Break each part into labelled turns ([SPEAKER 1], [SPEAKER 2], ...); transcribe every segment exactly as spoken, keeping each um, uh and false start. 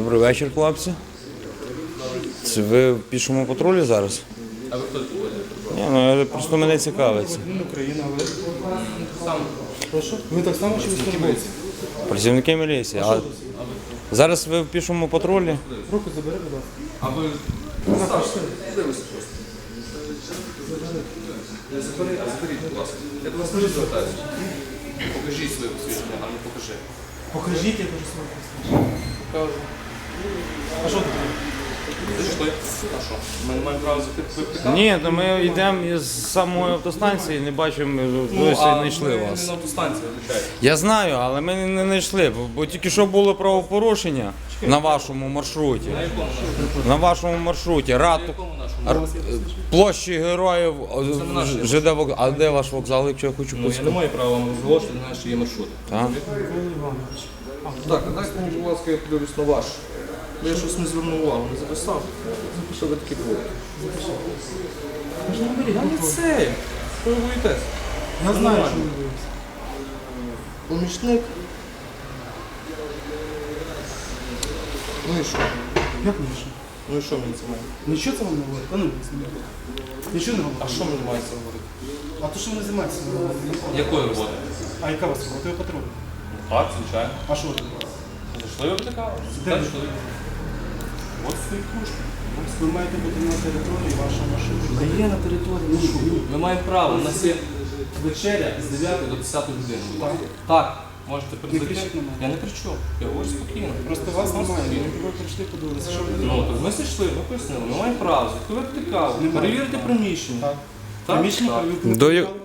[SPEAKER 1] Добрий вечір, хлопці. Це ви в пішому патрулі зараз?
[SPEAKER 2] А ви хто такий?
[SPEAKER 1] Ні, ну просто мене цікавиться.
[SPEAKER 3] Україна, ви сам. Прошу? Ви так само чи військовослужбовці?
[SPEAKER 1] Працівники міліції. А зараз ви в пішому патрулі?
[SPEAKER 3] Руку забери, будь ласка.
[SPEAKER 2] А ви дивися просто. Заберіть, заберіть, будь ласка. Я до вас дуже звертаюся. Покажіть своє посвідчення, а не покажи.
[SPEAKER 3] Покажіть, я дуже своє посвідчення.
[SPEAKER 2] Покажу.
[SPEAKER 3] А що таке?
[SPEAKER 2] Зайшли. А що? Ми не маємо права запитати?
[SPEAKER 1] Ні, то ми йдемо із самої автостанції, не бачимо,
[SPEAKER 2] Ну,
[SPEAKER 1] досі
[SPEAKER 2] а
[SPEAKER 1] не йшли
[SPEAKER 2] ми
[SPEAKER 1] вас.
[SPEAKER 2] не на автостанції, звичайно.
[SPEAKER 1] Я знаю, але ми не знайшли, бо, бо тільки що було правопорушення на вашому маршруті.
[SPEAKER 2] На якому нашому?
[SPEAKER 1] На вашому маршруті.
[SPEAKER 2] На
[SPEAKER 1] Рату,
[SPEAKER 2] якому нашому?
[SPEAKER 1] Р- площі героїв,
[SPEAKER 2] Це не наш
[SPEAKER 1] Ж- ЖД вокзал. А де ваш вокзал, якщо я хочу
[SPEAKER 2] Ну, я не
[SPEAKER 1] поспитати?
[SPEAKER 2] маю права вам розголошувати на наші є маршрути.
[SPEAKER 1] Так?
[SPEAKER 3] Микола Іванович.
[SPEAKER 2] Так, а дайте мені, будь ласка, я подивлюсь на ваш. Я щось не звернув увагу, не записав. Записав ви такі були. Я не це. Що ви боїтесь?
[SPEAKER 3] Я знаю,
[SPEAKER 2] Нормально.
[SPEAKER 3] що ви боїтеся.
[SPEAKER 2] Помічник. Ну і що?
[SPEAKER 3] Як не що?
[SPEAKER 2] Ну і що мені це має?
[SPEAKER 3] Нічого це вам не говорить? А ну, знімайте. Нічого не
[SPEAKER 2] А
[SPEAKER 3] говорить.
[SPEAKER 2] що мені має це говорити?
[SPEAKER 3] А то, що ви не займаєтеся?
[SPEAKER 2] Якої роботи?
[SPEAKER 3] А яка у вас робота? Ви патруль.
[SPEAKER 2] Так, звичайно.
[SPEAKER 3] А що ви робите?
[SPEAKER 2] Зайшли ви така?
[SPEAKER 3] Де ви?
[SPEAKER 2] Зайшли. От стоїть кружка.
[SPEAKER 3] Ви маєте бути на території вашого маршруту. Та є на території. Ну що?
[SPEAKER 2] Ми маємо право. У нас є вечеря з дев'ятої до десятої години. будь ласка. Так. Можете прийти.
[SPEAKER 3] кричіть на мене.
[SPEAKER 2] Я не кричу. Я говорю спокійно.
[SPEAKER 3] Просто вас
[SPEAKER 2] Просто
[SPEAKER 3] немає.
[SPEAKER 2] спокійно.
[SPEAKER 3] Ви прийшли, подивилися, що ви
[SPEAKER 2] Ну,
[SPEAKER 3] робите.
[SPEAKER 2] так ми зайшли, ми пояснили, ми маємо право, відкривати каву,
[SPEAKER 3] Немає.
[SPEAKER 2] перевірити приміщення.
[SPEAKER 3] Так.
[SPEAKER 2] Так?
[SPEAKER 3] Приміщення
[SPEAKER 2] Так.
[SPEAKER 3] перевірки.
[SPEAKER 1] До я-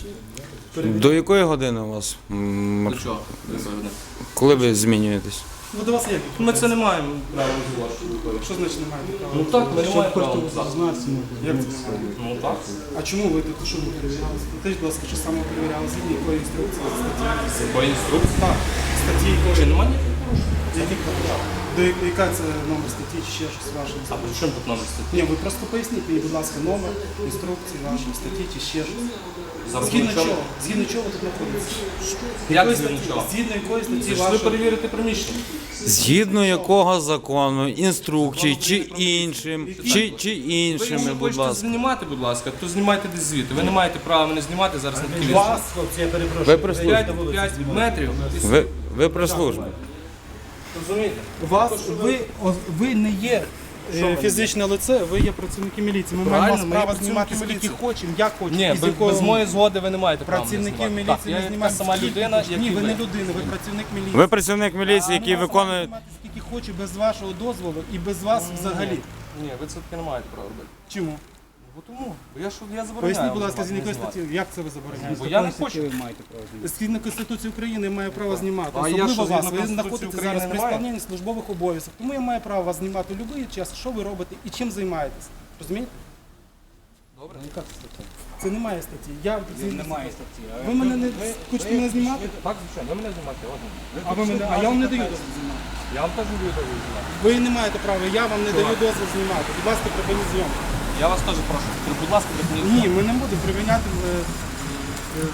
[SPEAKER 1] До якої години у вас? м,
[SPEAKER 2] До
[SPEAKER 1] маршрут?
[SPEAKER 2] чого? Ви говорите?
[SPEAKER 1] Коли ви змінюєтесь?
[SPEAKER 3] Ну, до вас як?
[SPEAKER 2] Ми це не маємо права розголошувати.
[SPEAKER 3] Що значить немає права?
[SPEAKER 2] Ну так, ми не маємо права.
[SPEAKER 3] Як це немає?
[SPEAKER 2] Ну так.
[SPEAKER 3] А чому ви тут що ви перевіряли? Скажіть, будь ласка, що саме перевіряли? Згідно якої інструкції статті?
[SPEAKER 2] По інструкції.
[SPEAKER 3] Так, статті
[SPEAKER 2] Чи
[SPEAKER 3] якої?
[SPEAKER 2] немає ніяких порушень?
[SPEAKER 3] Яких до я- яка це номер статті чи ще щось ваше?
[SPEAKER 2] А при чому тут номер статті?
[SPEAKER 3] Ні, ви просто поясніть мені, будь ласка, номер інструкції вашої статті чи ще щось.
[SPEAKER 2] Зараз
[SPEAKER 3] Згідно
[SPEAKER 2] при чому?
[SPEAKER 3] чого? Згідно чого ви тут знаходитесь?
[SPEAKER 2] Як
[SPEAKER 3] Якої
[SPEAKER 2] згідно
[SPEAKER 3] статті?
[SPEAKER 2] чого?
[SPEAKER 3] Згідно якої статті
[SPEAKER 2] Зайшли
[SPEAKER 3] вашої?
[SPEAKER 2] перевірити приміщення.
[SPEAKER 1] Згідно якого закону, інструкцій чи іншим, чи, чи
[SPEAKER 2] Ви
[SPEAKER 1] іншими,
[SPEAKER 2] якщо
[SPEAKER 1] будь
[SPEAKER 2] хочете
[SPEAKER 1] ласка.
[SPEAKER 2] знімати, будь ласка, то знімайте десь звідти. Ви не маєте права мене знімати зараз на такій
[SPEAKER 3] Вас, хлопці, я перепрошую.
[SPEAKER 1] Ви при службі.
[SPEAKER 2] п'ять метрів. і
[SPEAKER 1] Ви, ви при службі.
[SPEAKER 2] Розумієте?
[SPEAKER 3] Вас, ви, о- ви не є е, фізичне лице, ви є працівники міліції. Ми
[SPEAKER 2] Правильно,
[SPEAKER 3] маємо
[SPEAKER 2] ми
[SPEAKER 3] право
[SPEAKER 2] є працівники
[SPEAKER 3] знімати скільки
[SPEAKER 2] міліції.
[SPEAKER 3] хочемо, як хочемо.
[SPEAKER 2] Ні,
[SPEAKER 3] і з
[SPEAKER 2] без,
[SPEAKER 3] якого-
[SPEAKER 2] без моєї згоди ви не маєте права. мене
[SPEAKER 3] Працівників
[SPEAKER 2] знімати.
[SPEAKER 3] міліції
[SPEAKER 2] Так,
[SPEAKER 3] не
[SPEAKER 2] я така
[SPEAKER 3] знімають
[SPEAKER 2] сама
[SPEAKER 3] скільки
[SPEAKER 2] людина,
[SPEAKER 3] хочете.
[SPEAKER 2] як
[SPEAKER 3] Ні,
[SPEAKER 2] і
[SPEAKER 3] ви
[SPEAKER 2] ви.
[SPEAKER 3] не людина, ви працівник міліції.
[SPEAKER 1] Ви працівник міліції, який
[SPEAKER 3] Я можу
[SPEAKER 1] виконує.
[SPEAKER 3] знімати скільки хочу без вашого дозволу і без вас взагалі.
[SPEAKER 2] Ні, ви це таки не маєте права робити.
[SPEAKER 3] Чому?
[SPEAKER 2] Бо тому. Бо я що я забороняю.
[SPEAKER 3] Поясніть, будь
[SPEAKER 2] вам
[SPEAKER 3] ласка, з
[SPEAKER 2] знімати,
[SPEAKER 3] якої
[SPEAKER 2] не
[SPEAKER 3] статті,
[SPEAKER 2] знімати.
[SPEAKER 3] як це ви забороняєте?
[SPEAKER 2] Бо я не хочу.
[SPEAKER 3] Згідно Конституції України я маю право знімати.
[SPEAKER 2] А я
[SPEAKER 3] Особливо
[SPEAKER 2] що,
[SPEAKER 3] вас.
[SPEAKER 2] згідно
[SPEAKER 3] Ви
[SPEAKER 2] Конституції
[SPEAKER 3] знаходитесь
[SPEAKER 2] України
[SPEAKER 3] зараз при
[SPEAKER 2] не маю?
[SPEAKER 3] виконанні службових обов'язків. Тому я маю право вас знімати в будь-який час, що ви робите і чим займаєтесь. Розумієте?
[SPEAKER 2] Добре.
[SPEAKER 3] Це немає статті. Я
[SPEAKER 4] Немає статті.
[SPEAKER 3] Ви мене не хочете мене знімати?
[SPEAKER 2] Так, звичайно, ви мене знімати, ладно.
[SPEAKER 3] А ви мене, а я вам не даю дозвіл знімати.
[SPEAKER 2] Я вам теж не даю дозволу знімати.
[SPEAKER 3] Ви не маєте права, я вам не даю дозвіл знімати. Будь ласка, припиніть зйомку.
[SPEAKER 2] Я вас теж прошу. Будь ласка, припиніть.
[SPEAKER 3] Ні, ми не будемо припиняти. е, е,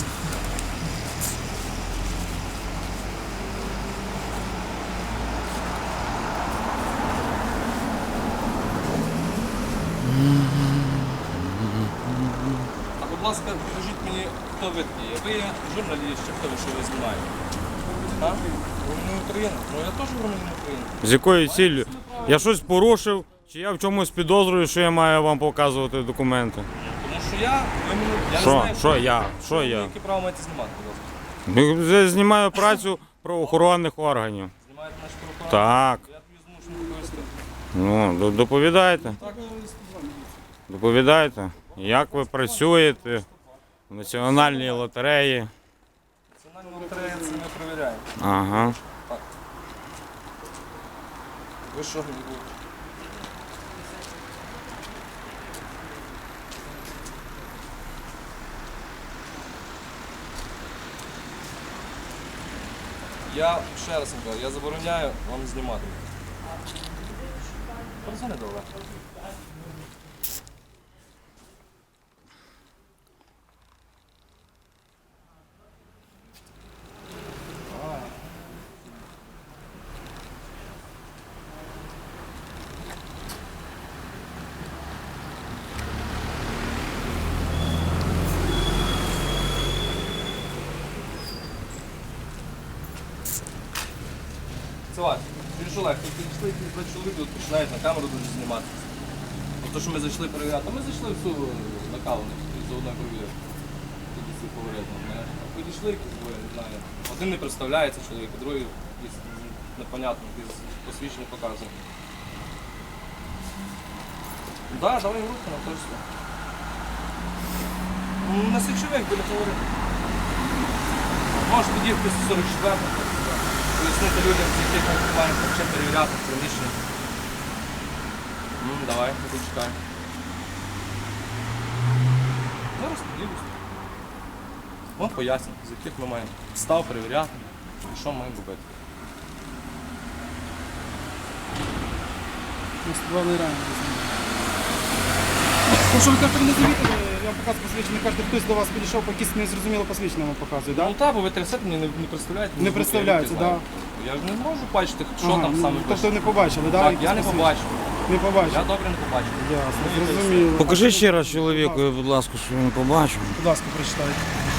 [SPEAKER 2] А будь ласка, покажіть мені, хто ви такі. Ви є журналіст, чи хто ви, що ви знімаєте? Так? Громадянин України. Ну я теж громадянин України.
[SPEAKER 1] З якою ціллю? Я щось порушив, чи я в чомусь підозрюю, що я маю вам показувати документи?
[SPEAKER 2] Тому що я, ви мені, я
[SPEAKER 1] Що?
[SPEAKER 2] не знаю,
[SPEAKER 1] Що
[SPEAKER 2] ви-
[SPEAKER 1] я? Що
[SPEAKER 2] ви
[SPEAKER 1] я?
[SPEAKER 2] Яке право маєте знімати, будь ласка?
[SPEAKER 1] Я знімаю працю правоохоронних органів.
[SPEAKER 2] Знімаєте наш прокурор?
[SPEAKER 1] Так.
[SPEAKER 2] Я тобі змушений повісти.
[SPEAKER 1] Ну, до- доповідайте. Доповідайте, як ви працюєте в національній лотереї.
[SPEAKER 2] Національна лотерея це не перевіряє.
[SPEAKER 1] Ага.
[SPEAKER 2] Ви що мені будете? Я ще раз вам кажу, я забороняю вам знімати. Позвони до Олега. працювати. Чуєш, Олег, тут підійшли якісь два чоловіки, от починають на камеру дуже знімати. То, що ми зайшли перевіряти, а ми зайшли всю накалених і заодно перевіряли. Тут всі повередно, знаєш. А підійшли якісь двоє, не знаю. Один не представляється чоловік, а другий якийсь непонятно, якийсь посвідчення показує. Так, да, дали їм руку на точно. На сечових біля фаворитів. Може під'їхати з сорок четвертого, пояснити людям, з яких ми маємо почати перевіряти приміщення. Ну, давай, я тут чекаю. Зараз поділюсь. Вон поясню, з яких ми маємо став перевіряти і що маємо робити.
[SPEAKER 3] Главний ранг. Ну, що ви кажете, ви не завітили, я вам показую посвідчення, кажете, хтось до вас підійшов, по якісь незрозуміло посвідчення вам показує, так?
[SPEAKER 2] Ну так, бо ви тридцять мені не, не представляєте.
[SPEAKER 3] Не представляється,
[SPEAKER 2] так.
[SPEAKER 3] Да.
[SPEAKER 2] Я ж не можу бачити, що
[SPEAKER 3] Ага,
[SPEAKER 2] там
[SPEAKER 3] ну,
[SPEAKER 2] саме
[SPEAKER 3] тобто
[SPEAKER 2] пише.
[SPEAKER 3] не побачили, так?
[SPEAKER 2] Так,
[SPEAKER 3] якісь
[SPEAKER 2] я не
[SPEAKER 3] посвідчення?
[SPEAKER 2] побачив.
[SPEAKER 3] Не побачив.
[SPEAKER 2] Я добре не побачив.
[SPEAKER 3] Ясно,
[SPEAKER 2] Ну, і все.
[SPEAKER 3] зрозуміло.
[SPEAKER 1] Покажи
[SPEAKER 3] А
[SPEAKER 1] ще
[SPEAKER 3] що-
[SPEAKER 1] раз чоловіку, будь ласка, що він побачив.
[SPEAKER 3] Будь ласка, прочитайте.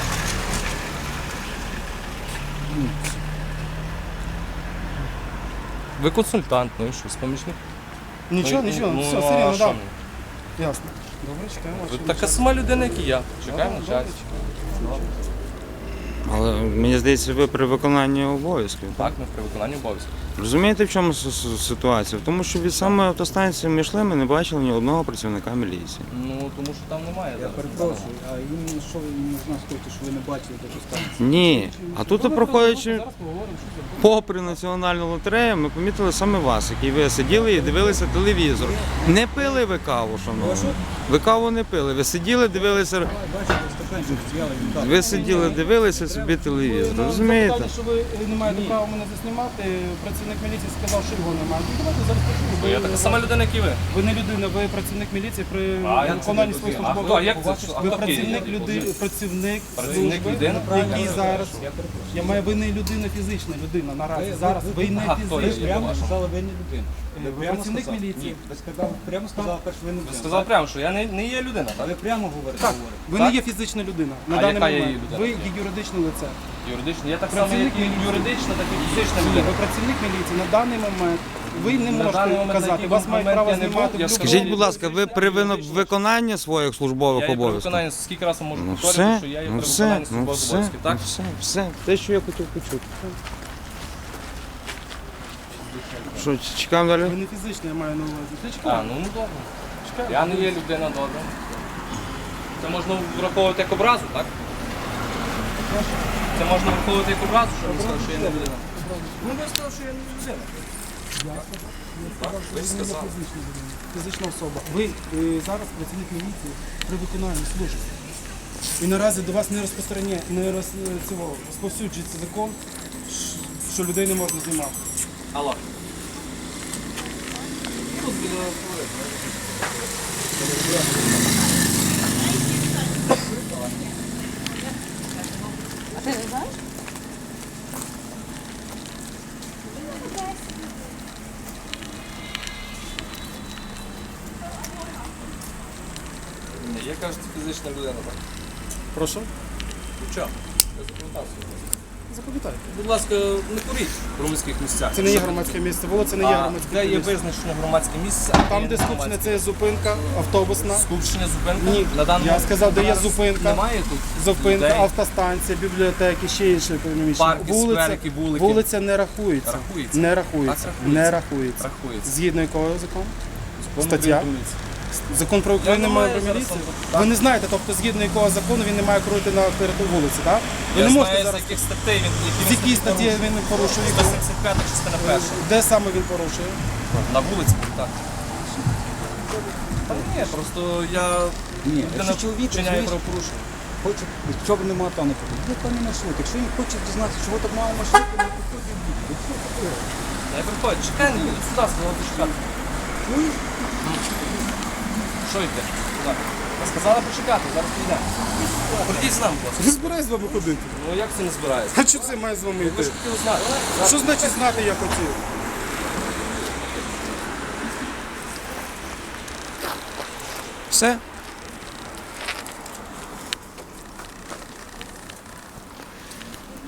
[SPEAKER 2] Ви консультант, ну і що, з помічник?
[SPEAKER 3] Нічого,
[SPEAKER 2] Ну,
[SPEAKER 3] нічого,
[SPEAKER 2] ну,
[SPEAKER 3] все,
[SPEAKER 2] а
[SPEAKER 3] все рівно,
[SPEAKER 2] що
[SPEAKER 3] так.
[SPEAKER 2] мені?
[SPEAKER 3] Ясно. Добре, чекаємо.
[SPEAKER 2] Ви
[SPEAKER 3] вашого
[SPEAKER 2] така
[SPEAKER 3] часу.
[SPEAKER 2] сама людина, як і я. Чекаємо
[SPEAKER 3] Добре,
[SPEAKER 2] на час.
[SPEAKER 3] добре,
[SPEAKER 1] Але мені здається, ви при виконанні обов'язків.
[SPEAKER 2] Так, ми при виконанні обов'язків.
[SPEAKER 1] Розумієте, в чому с- с- ситуація? В тому, що від самої автостанції ми йшли, ми не бачили ні одного працівника міліції.
[SPEAKER 2] Ну, тому що там немає.
[SPEAKER 4] Я
[SPEAKER 2] зараз.
[SPEAKER 4] перепрошую, а іменно що ви не знаю, хочете, що ви не бачили до станції?
[SPEAKER 1] Ні. А тут,
[SPEAKER 3] Добре,
[SPEAKER 1] проходячи
[SPEAKER 3] зараз поговоримо, що це.
[SPEAKER 1] попри національну лотерею, ми помітили саме вас, який ви сиділи і дивилися телевізор. Не пили ви каву, шановні. Ви каву не пили. Ви сиділи, дивилися.
[SPEAKER 4] Бачите, стаканчик з'їли, він так.
[SPEAKER 1] Ви сиділи, дивилися собі телевізор.
[SPEAKER 3] Ви
[SPEAKER 1] Розумієте?
[SPEAKER 3] запитали, що ви е, не маєте права мене заснімати. Працівник міліції сказав, що його немає. Ну, давайте зараз почуємо.
[SPEAKER 2] Бо я така сама людина, як і ви.
[SPEAKER 3] Ви не людина, ви працівник міліції при
[SPEAKER 2] А, як це
[SPEAKER 3] виконанні
[SPEAKER 2] не
[SPEAKER 3] своїх
[SPEAKER 2] людина? А
[SPEAKER 3] службових
[SPEAKER 2] хто? Як це?
[SPEAKER 3] обов'язків.
[SPEAKER 2] А
[SPEAKER 3] Ви
[SPEAKER 2] хто такий?
[SPEAKER 3] працівник
[SPEAKER 2] Я
[SPEAKER 3] люди,
[SPEAKER 2] не
[SPEAKER 3] працівник
[SPEAKER 2] Працівник
[SPEAKER 3] служби,
[SPEAKER 2] людина,
[SPEAKER 3] який
[SPEAKER 2] правильно?
[SPEAKER 3] зараз.
[SPEAKER 4] Я перепрошую.
[SPEAKER 3] Я маю ви не людина фізична людина наразі.
[SPEAKER 4] Ви-
[SPEAKER 3] Зараз
[SPEAKER 4] ви-
[SPEAKER 3] ви не
[SPEAKER 2] Ага, хто є?
[SPEAKER 4] Ви
[SPEAKER 3] фізична.
[SPEAKER 4] прямо
[SPEAKER 2] вашому.
[SPEAKER 4] сказали, ви не людина.
[SPEAKER 3] Е, ви працівник
[SPEAKER 4] сказали?
[SPEAKER 3] міліції?
[SPEAKER 4] Ні, ви сказали, прямо сказали, перш ви не
[SPEAKER 2] Ви
[SPEAKER 4] людина.
[SPEAKER 2] сказав прямо, що я не, не є людина,
[SPEAKER 4] А
[SPEAKER 2] так?
[SPEAKER 4] ви прямо говорите,
[SPEAKER 3] Так,
[SPEAKER 4] говорите.
[SPEAKER 3] ви
[SPEAKER 2] Так?
[SPEAKER 3] не є фізична людина на
[SPEAKER 2] А
[SPEAKER 3] даний
[SPEAKER 2] яка є
[SPEAKER 3] момент.
[SPEAKER 2] її людина?
[SPEAKER 3] Ви є юридичне лице.
[SPEAKER 2] Юридично. Я так само,
[SPEAKER 3] Працівник
[SPEAKER 2] як і
[SPEAKER 3] міліції.
[SPEAKER 2] юридична, так і фізична
[SPEAKER 3] Ні,
[SPEAKER 2] людина.
[SPEAKER 3] ви працівник міліції на даний момент. Ви не
[SPEAKER 2] На даний
[SPEAKER 3] можете
[SPEAKER 2] момент, на
[SPEAKER 3] казати,
[SPEAKER 2] який
[SPEAKER 3] вас мають
[SPEAKER 2] момент
[SPEAKER 3] право
[SPEAKER 2] я не був,
[SPEAKER 3] знімати.
[SPEAKER 2] я
[SPEAKER 3] в
[SPEAKER 2] скажу.
[SPEAKER 1] Скажіть,
[SPEAKER 3] будь-якому-
[SPEAKER 1] будь ласка, ви при вино- виконанні своїх службових
[SPEAKER 2] Я є при
[SPEAKER 1] обов'язків?
[SPEAKER 2] виконанні, скільки разів можу
[SPEAKER 1] Ну
[SPEAKER 2] повторити,
[SPEAKER 1] все,
[SPEAKER 2] що я є
[SPEAKER 1] ну
[SPEAKER 2] при
[SPEAKER 1] все,
[SPEAKER 2] виконанні
[SPEAKER 1] ну
[SPEAKER 2] службових
[SPEAKER 1] все,
[SPEAKER 2] обов'язків,
[SPEAKER 1] ну
[SPEAKER 2] так?
[SPEAKER 1] все, все. Те, що я хотів почути. Що, чекаємо далі?
[SPEAKER 3] Ви не фізично, я маю на увазі. Ти
[SPEAKER 2] А,
[SPEAKER 3] чекай.
[SPEAKER 2] ну, ну добре.
[SPEAKER 3] Чекай.
[SPEAKER 2] Я не є людина, добре. Це можна враховувати як образу, так? Це можна враховувати як образу, що ви сказали, що я не людина. Ну, ви сказали, що я не людина. Так, ви сказали.
[SPEAKER 3] Фізична людина, фізична особа. Ви е, зараз працівник міліції при виконанні служби. І наразі до вас не розпространяє, не роз, цього, розповсюджується закон, ш- що людей не можна знімати.
[SPEAKER 2] Алло. Тут біля фавориту.
[SPEAKER 5] А ти не знаєш?
[SPEAKER 2] Ні, я кажу, це фізична людина, так?
[SPEAKER 3] Прошу?
[SPEAKER 2] Ну що? Я запам'ятався.
[SPEAKER 3] Запам'ятайте.
[SPEAKER 2] Будь ласка, не куріть в громадських місцях.
[SPEAKER 3] Це не є громадське місце, вулиця не є
[SPEAKER 2] А
[SPEAKER 3] громадське
[SPEAKER 2] де є
[SPEAKER 3] місце.
[SPEAKER 2] визначено громадське місце? а
[SPEAKER 3] Там,
[SPEAKER 2] є
[SPEAKER 3] де
[SPEAKER 2] не
[SPEAKER 3] скупчення,
[SPEAKER 2] громадське?
[SPEAKER 3] це є зупинка автобусна.
[SPEAKER 2] Скупчення, зупинка?
[SPEAKER 3] Ні,
[SPEAKER 2] На даний
[SPEAKER 3] я
[SPEAKER 2] момент
[SPEAKER 3] сказав, де є
[SPEAKER 2] зараз
[SPEAKER 3] зупинка.
[SPEAKER 2] Немає тут
[SPEAKER 3] Зупинка,
[SPEAKER 2] людей?
[SPEAKER 3] автостанція, бібліотеки, ще інше приміщення.
[SPEAKER 2] Парки, скверики, вулики.
[SPEAKER 3] вулиця не рахується.
[SPEAKER 2] Рахується.
[SPEAKER 3] Не рахується.
[SPEAKER 2] Так, рахується.
[SPEAKER 3] Не рахується.
[SPEAKER 2] Рахується.
[SPEAKER 3] Згідно якого закону?
[SPEAKER 2] Закон
[SPEAKER 3] Стаття?
[SPEAKER 2] України вулиці.
[SPEAKER 3] Закон про Україну
[SPEAKER 2] не
[SPEAKER 3] має
[SPEAKER 2] маю
[SPEAKER 3] про
[SPEAKER 2] зараз
[SPEAKER 3] міліцію.
[SPEAKER 2] там-
[SPEAKER 3] Ви не знаєте, тобто згідно якого закону він не має крути на території вулиці, так? Ви
[SPEAKER 2] Я
[SPEAKER 3] не можете
[SPEAKER 2] знаю, з
[SPEAKER 3] зараз.
[SPEAKER 2] яких статей він, які
[SPEAKER 3] З якій статті він порушує?
[SPEAKER 2] сто сімдесят п'ята частина перша.
[SPEAKER 3] Де саме він порушує?
[SPEAKER 2] На вулиці, так. Та ні, просто я
[SPEAKER 4] Ні,
[SPEAKER 2] людина
[SPEAKER 4] якщо чоловік
[SPEAKER 2] вчиняє
[SPEAKER 4] розумієш,
[SPEAKER 2] правопорушення.
[SPEAKER 4] хоче, що б нема там не потрібно. Є певний маршрут. Якщо він хоче дізнатися, чого так мало маршруту, не підходить в бік. Що таке?
[SPEAKER 2] Я приходжу, чекай, не їдь сюди, сказала почекати. Що йде? Сюди. Я сказала почекати, зараз підемо. Прийдіть з нами, будь ласка.
[SPEAKER 3] Не збираюсь з вами ходити.
[SPEAKER 2] Ну як це не збирається?
[SPEAKER 3] А що це має з вами
[SPEAKER 2] Ви
[SPEAKER 3] йти?
[SPEAKER 2] ж хотіли знати.
[SPEAKER 3] Що значить знати я хотів?
[SPEAKER 1] Все?